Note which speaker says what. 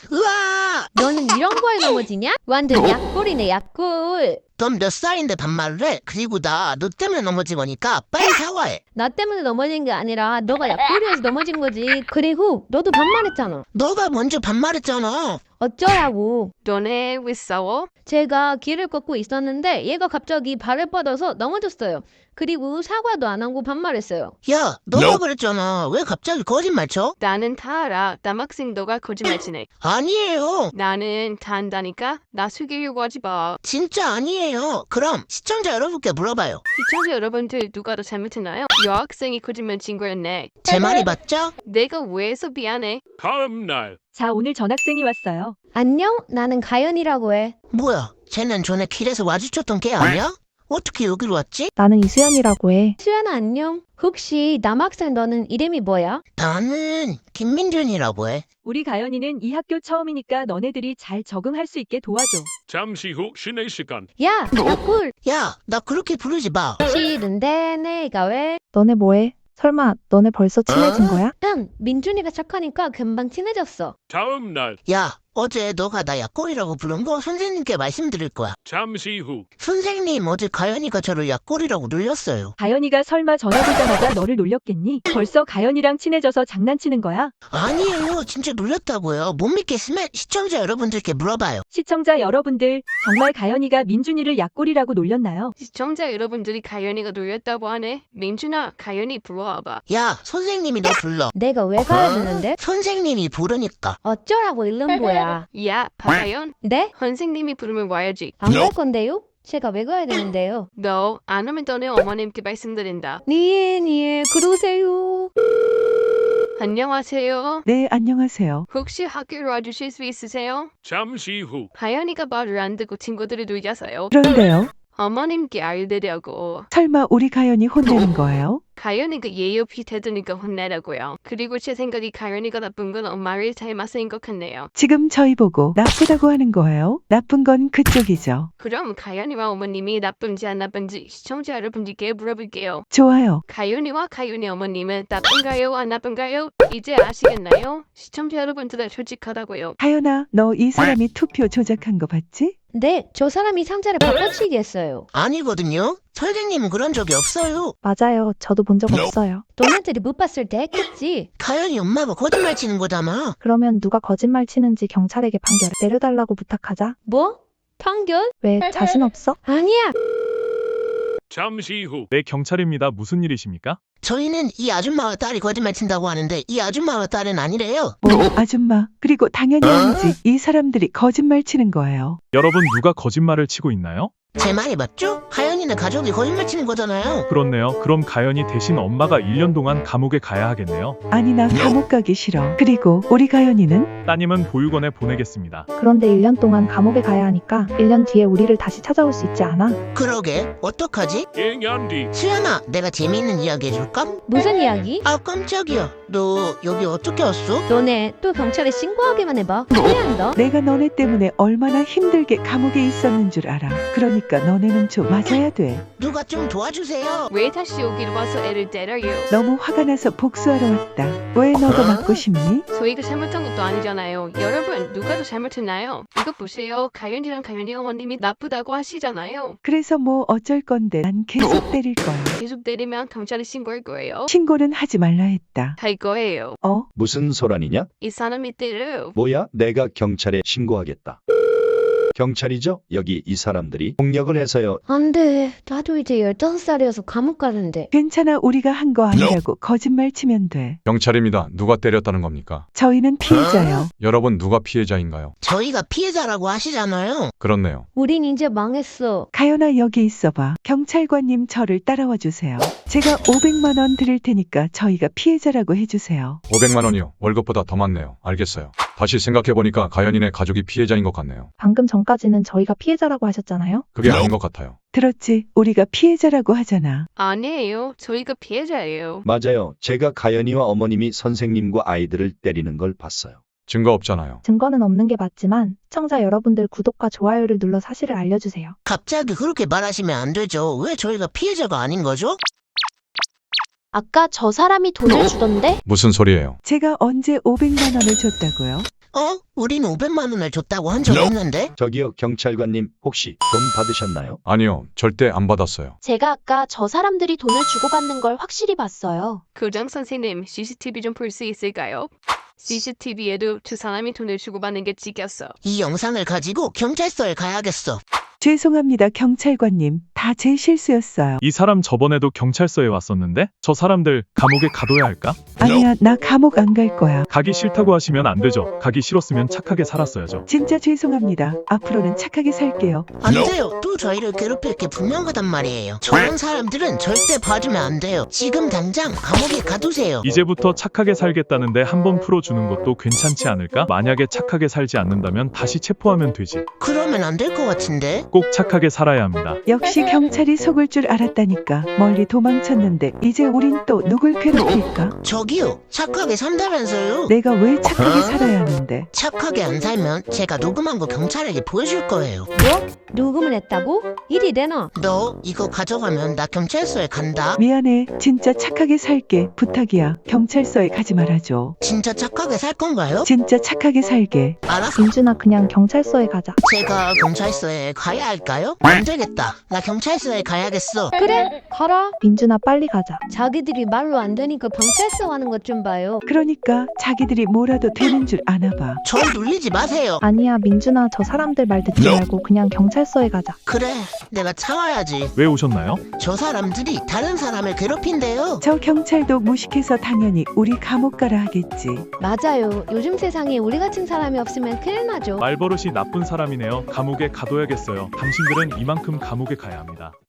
Speaker 1: 으아!
Speaker 2: 너는 이런 거에 넘어지냐? 완전 약골이네 약골.
Speaker 1: 넌 몇 살인데 반말을 해? 그리고 나 너 때문에 넘어진 거니까 빨리 사과해.
Speaker 2: 나 때문에 넘어진 게 아니라 너가 약골이어서 넘어진 거지. 그리고 너도 반말했잖아.
Speaker 1: 너가 먼저 반말했잖아.
Speaker 2: 어쩌라고.
Speaker 3: 너네 왜 싸워?
Speaker 2: 제가 길을 걷고 있었는데 얘가 갑자기 발을 뻗어서 넘어졌어요. 그리고 사과도 안 하고 반말했어요.
Speaker 1: 야, 너가 그랬잖아. 왜 갑자기 거짓말 쳐?
Speaker 3: 나는 다 알아. 남학생 너가 거짓말치네.
Speaker 1: 아니에요.
Speaker 3: 나는 다 안다니까? 나 속이려고 하지 마.
Speaker 1: 진짜 아니에요. 그럼 시청자 여러분께 물어봐요.
Speaker 3: 시청자 여러분들 누가 더 잘못했나요? 여학생이 거짓말 친 거였네.
Speaker 1: 제 말이 맞죠?
Speaker 3: 내가 왜 해서 미안해?
Speaker 4: 다음 날
Speaker 5: 자, 오늘 전학생이 왔어요.
Speaker 2: 안녕? 나는 가연이라고 해.
Speaker 1: 뭐야, 쟤는 전에 길에서 마주쳤던 걔 아니야? 어떻게 여기로 왔지?
Speaker 6: 나는 이수연이라고 해.
Speaker 2: 수연아 안녕? 혹시 남학생 너는 이름이 뭐야?
Speaker 1: 나는 김민준이라고 해.
Speaker 5: 우리 가연이는 이 학교 처음이니까 너네들이 잘 적응할 수 있게 도와줘.
Speaker 4: 잠시 후 쉬는 시간.
Speaker 2: 야! 약골!
Speaker 1: 야, 나 그렇게 부르지 마.
Speaker 2: 싫은데 내가 왜?
Speaker 6: 너네 뭐해? 설마 너네 벌써 친해진 거야?
Speaker 2: 응! 민준이가 착하니까 금방 친해졌어.
Speaker 4: 다음 날
Speaker 1: 야, 어제 너가 나 약골이라고 부른 거 선생님께 말씀드릴 거야.
Speaker 4: 잠시 후
Speaker 1: 선생님, 어제 가연이가 저를 약골이라고 놀렸어요.
Speaker 5: 가연이가 설마 전화 보자마자 너를 놀렸겠니? 벌써 가연이랑 친해져서 장난치는 거야?
Speaker 1: 아니에요, 진짜 놀렸다고요. 못 믿겠으면 시청자 여러분들께 물어봐요.
Speaker 5: 시청자 여러분들, 정말 가연이가 민준이를 약골이라고 놀렸나요?
Speaker 3: 시청자 여러분들이 가연이가 놀렸다고 하네. 민준아, 가연이 불러와봐.
Speaker 1: 야, 선생님이 너 불러.
Speaker 2: 내가 왜 가야 되는데?
Speaker 1: 선생님이 부르니까.
Speaker 2: 어쩌라고 일름보야.
Speaker 3: 야, 박가연.
Speaker 2: 네?
Speaker 3: 선생님이 부르면 와야지.
Speaker 2: 안 갈 건데요? 제가 왜 가야 되는데요?
Speaker 3: 너 안 오면 너네 어머님께 말씀드린다.
Speaker 2: 니에 그러세요.
Speaker 3: 안녕하세요.
Speaker 7: 네, 안녕하세요.
Speaker 3: 혹시 학교로 와주실 수 있으세요?
Speaker 4: 잠시 후
Speaker 3: 가연이가 말을 안 듣고 친구들이 놀려서요.
Speaker 7: 그런데요,
Speaker 3: 어머님께 알리려고.
Speaker 7: 설마 우리 가연이 혼내는 거예요?
Speaker 3: 가연이가 예의 없이 대드니까 혼내라고요. 그리고 제 생각이 가연이가 나쁜 건 엄마를 닮아서인 것 같네요.
Speaker 7: 지금 저희 보고 나쁘다고 하는 거예요? 나쁜 건 그쪽이죠.
Speaker 3: 그럼 가연이와 어머님이 나쁜지 안 나쁜지 시청자 여러분들께 물어볼게요.
Speaker 7: 좋아요.
Speaker 3: 가연이와 가연이 어머님은 나쁜가요? 안 나쁜가요? 이제 아시겠나요? 시청자 여러분들 솔직하다고요.
Speaker 7: 가연아, 너 이 사람이 투표 조작한 거 봤지?
Speaker 2: 네, 저 사람이 상자를 바꿔치기 했어요.
Speaker 1: 아니거든요. 선생님은 그런 적이 없어요.
Speaker 6: 맞아요. 저도 본 적 없어요.
Speaker 2: 너네들이 못 봤을 때 했겠지.
Speaker 1: 가연이 엄마가 거짓말 치는 거잖아.
Speaker 6: 그러면 누가 거짓말 치는지 경찰에게 판결 내려달라고 부탁하자.
Speaker 2: 뭐? 판결?
Speaker 6: 왜 자신 없어?
Speaker 2: 아니야.
Speaker 4: 잠시 후
Speaker 8: 네, 경찰입니다. 무슨 일이십니까?
Speaker 1: 저희는 이 아줌마와 딸이 거짓말 친다고 하는데 이 아줌마와 딸은 아니래요.
Speaker 7: 뭐, 아줌마. 그리고 당연히 아니지. 이 사람들이 거짓말 치는 거예요.
Speaker 8: 여러분 누가 거짓말을 치고 있나요?
Speaker 1: 제 말이 맞죠? 가연이는 가족이 거짓말 치는 거잖아요.
Speaker 8: 그렇네요. 그럼 가연이 대신 엄마가 1년 동안 감옥에 가야 하겠네요.
Speaker 7: 아니, 나 감옥 가기 싫어. 그리고 우리 가연이는?
Speaker 8: 따님은 보육원에 보내겠습니다.
Speaker 6: 그런데 1년 동안 감옥에 가야 하니까 1년 뒤에 우리를 다시 찾아올 수 있지 않아?
Speaker 1: 그러게, 어떡하지?
Speaker 4: 2년 뒤
Speaker 1: 수연아, 내가 재미있는 이야기 해줄까?
Speaker 2: 무슨 이야기?
Speaker 1: 아, 깜짝이야. 너 여기 어떻게 왔어?
Speaker 2: 너네 또 경찰에 신고하기만 해봐. 후회한다.
Speaker 7: 내가 너네 때문에 얼마나 힘들게 감옥에 있었는 줄 알아. 그러니까 너네는 좀 맞아야 돼.
Speaker 1: 누가 좀 도와주세요.
Speaker 3: 왜 다시 여기로 와서 애를 때려요?
Speaker 7: 너무 화가 나서 복수하러 왔다. 왜 너도 맞고 싶니?
Speaker 3: 저희가 잘못한 것도 아니잖아요. 여러분, 누가 더 잘못했나요? 이거 보세요. 가연이랑 가연이 어머님이 나쁘다고 하시잖아요.
Speaker 7: 그래서 뭐 어쩔 건데 난 계속 때릴 거야.
Speaker 3: 계속 때리면 경찰에 신고할 거예요.
Speaker 7: 신고는 하지 말라 했다.
Speaker 3: 할 거예요.
Speaker 7: 어?
Speaker 9: 무슨 소란이냐?
Speaker 3: 이 사람이 때려요.
Speaker 9: 뭐야? 내가 경찰에 신고하겠다. 경찰이죠? 여기 이 사람들이 폭력을 해서요.
Speaker 2: 안 돼. 나도 이제 15살이어서 감옥 가는데.
Speaker 7: 괜찮아, 우리가 한 거 아니라고 거짓말 치면 돼.
Speaker 10: 경찰입니다. 누가 때렸다는 겁니까?
Speaker 7: 저희는 피해자요.
Speaker 10: 여러분 누가 피해자인가요?
Speaker 1: 저희가 피해자라고 하시잖아요.
Speaker 10: 그렇네요.
Speaker 2: 우린 이제 망했어.
Speaker 7: 가연아, 여기 있어봐. 경찰관님, 저를 따라와 주세요. 제가 500만 원 드릴 테니까 저희가 피해자라고 해주세요.
Speaker 10: 500만 원이요. 월급보다 더 많네요. 알겠어요. 다시 생각해보니까 가연이네 가족이 피해자인 것 같네요.
Speaker 6: 방금 전까지는 저희가 피해자라고 하셨잖아요.
Speaker 10: 그게 아닌 것 같아요.
Speaker 7: 들었지? 우리가 피해자라고 하잖아.
Speaker 3: 아니에요. 저희가 피해자예요.
Speaker 9: 맞아요. 제가 가연이와 어머님이 선생님과 아이들을 때리는 걸 봤어요.
Speaker 10: 증거 없잖아요.
Speaker 6: 증거는 없는 게 맞지만 시청자 여러분들 구독과 좋아요를 눌러 사실을 알려주세요.
Speaker 1: 갑자기 그렇게 말하시면 안 되죠. 왜 저희가 피해자가 아닌 거죠?
Speaker 2: 아까 저 사람이 돈을 주던데?
Speaker 10: 무슨 소리예요?
Speaker 7: 제가 언제 500만 원을 줬다고요?
Speaker 1: 우린 500만 원을 줬다고 한 적 없는데?
Speaker 9: 저기요, 경찰관님, 혹시 돈 받으셨나요?
Speaker 10: 아니요, 절대 안 받았어요.
Speaker 11: 제가 아까 저 사람들이 돈을 주고받는 걸 확실히 봤어요.
Speaker 3: 교장 선생님, CCTV 좀 볼 수 있을까요? CCTV에도 두 사람이 돈을 주고받는 게 찍혔어.
Speaker 1: 이 영상을 가지고 경찰서에 가야겠어.
Speaker 7: 죄송합니다, 경찰관님. 다 제 실수였어요.
Speaker 8: 이 사람 저번에도 경찰서에 왔었는데 저 사람들 감옥에 가둬야 할까?
Speaker 7: 아니야, 나 감옥 안 갈 거야.
Speaker 8: 가기 싫다고 하시면 안 되죠. 가기 싫었으면 착하게 살았어야죠.
Speaker 7: 진짜 죄송합니다. 앞으로는 착하게 살게요.
Speaker 1: 안 돼요. 또 저희를 괴롭힐 게 분명하단 말이에요. 저런 사람들은 절대 봐주면 안 돼요. 지금 당장 감옥에 가두세요.
Speaker 8: 이제부터 착하게 살겠다는데 한번 풀어주는 것도 괜찮지 않을까? 만약에 착하게 살지 않는다면 다시 체포하면 되지.
Speaker 1: 그러면 안 될 것 같은데?
Speaker 8: 꼭 착하게 살아야 합니다.
Speaker 7: 역시 경찰이 속을 줄 알았다니까. 멀리 도망쳤는데 이제 우린 또 누굴 괴롭힐까?
Speaker 1: 저기요. 착하게 산다면서요?
Speaker 7: 내가 왜 착하게 살아야 하는데?
Speaker 1: 착하게 안 살면 제가 녹음한 거 경찰에게 보여줄 거예요.
Speaker 2: 뭐? 녹음을 했다고? 일이 되나?
Speaker 1: 너 이거 가져가면 나 경찰서에 간다.
Speaker 7: 미안해. 진짜 착하게 살게. 부탁이야. 경찰서에 가지 말아줘.
Speaker 1: 진짜 착하게 살 건가요?
Speaker 7: 진짜 착하게 살게.
Speaker 1: 알았어.
Speaker 6: 민준아, 그냥 경찰서에 가자.
Speaker 1: 제가 경찰서에 가야 할까요? 안 되겠다. 나 경찰서에 가야겠어.
Speaker 2: 그래, 가라.
Speaker 6: 민준아, 빨리 가자.
Speaker 2: 자기들이 말로 안 되니까 경찰서 가는 것 좀 봐요.
Speaker 7: 그러니까 자기들이 뭐라도 되는 줄 아나 봐.
Speaker 1: 절 놀리지 마세요.
Speaker 6: 아니야, 민준아, 저 사람들 말 듣지 말고 그냥 경찰서에 가자.
Speaker 1: 그래, 내가 참아야지.
Speaker 8: 왜 오셨나요?
Speaker 1: 저 사람들이 다른 사람을 괴롭힌대요.
Speaker 7: 저 경찰도 무식해서 당연히 우리 감옥 가라 하겠지.
Speaker 2: 맞아요. 요즘 세상에 우리 같은 사람이 없으면 큰일 나죠.
Speaker 8: 말버릇이 나쁜 사람이네요. 감옥에 가둬야겠어요. 당신들은 이만큼 감옥에 가야 합니다.